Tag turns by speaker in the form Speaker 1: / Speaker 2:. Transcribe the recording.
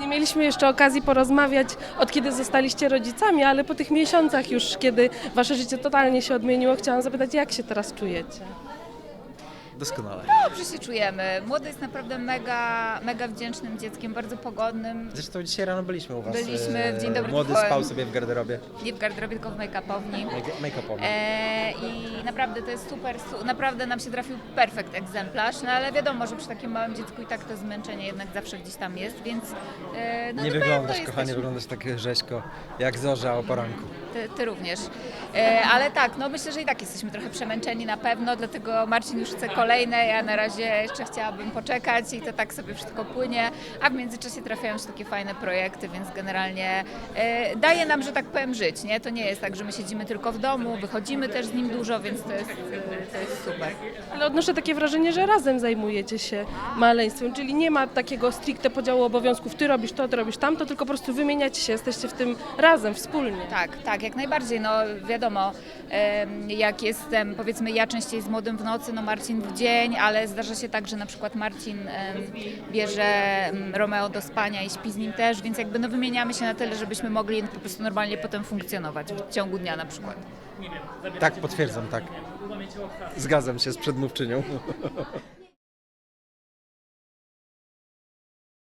Speaker 1: Nie mieliśmy jeszcze okazji porozmawiać, od kiedy zostaliście rodzicami, ale po tych miesiącach już, kiedy wasze życie totalnie się odmieniło, chciałam zapytać, jak się teraz czujecie?
Speaker 2: Doskonale.
Speaker 3: Dobrze się czujemy. Młody jest naprawdę mega wdzięcznym dzieckiem, bardzo pogodnym.
Speaker 2: Zresztą dzisiaj rano byliśmy u was.
Speaker 3: Byliśmy w Dzień Dobry
Speaker 2: Młody
Speaker 3: TVN.
Speaker 2: spał sobie w garderobie.
Speaker 3: Nie w garderobie, tylko w make-upowni.
Speaker 2: Make-upowy.
Speaker 3: I naprawdę to jest super, naprawdę nam się trafił perfekt egzemplarz, no ale wiadomo, że przy takim małym dziecku i tak to zmęczenie jednak zawsze gdzieś tam jest, więc no
Speaker 2: Nie
Speaker 3: na
Speaker 2: wyglądasz,
Speaker 3: pewno
Speaker 2: kochanie, wyglądasz tak rzeźko, jak zorza o poranku.
Speaker 3: Ty również. Ale tak, no myślę, że i tak jesteśmy trochę przemęczeni na pewno, dlatego Marcin już chce kolejne, ja na razie jeszcze chciałabym poczekać i to tak sobie wszystko płynie, a w międzyczasie trafiają się takie fajne projekty, więc generalnie daje nam, że tak powiem, żyć, nie? To nie jest tak, że my siedzimy tylko w domu, wychodzimy też z nim dużo, więc to jest super.
Speaker 1: Ale odnoszę takie wrażenie, że razem zajmujecie się maleństwem, czyli nie ma takiego stricte podziału obowiązków, ty robisz to, ty robisz tamto, tylko po prostu wymieniacie się, jesteście w tym razem, wspólnie.
Speaker 3: Tak, jak najbardziej. No wiadomo, jak jestem, powiedzmy ja częściej z młodym w nocy, no Marcin w dzień, ale zdarza się tak, że na przykład Marcin bierze Romeo do spania i śpi z nim też, więc jakby no wymieniamy się na tyle, żebyśmy mogli po prostu normalnie potem funkcjonować w ciągu dnia na przykład.
Speaker 2: Tak, potwierdzam, tak. Zgadzam się z przedmówczynią.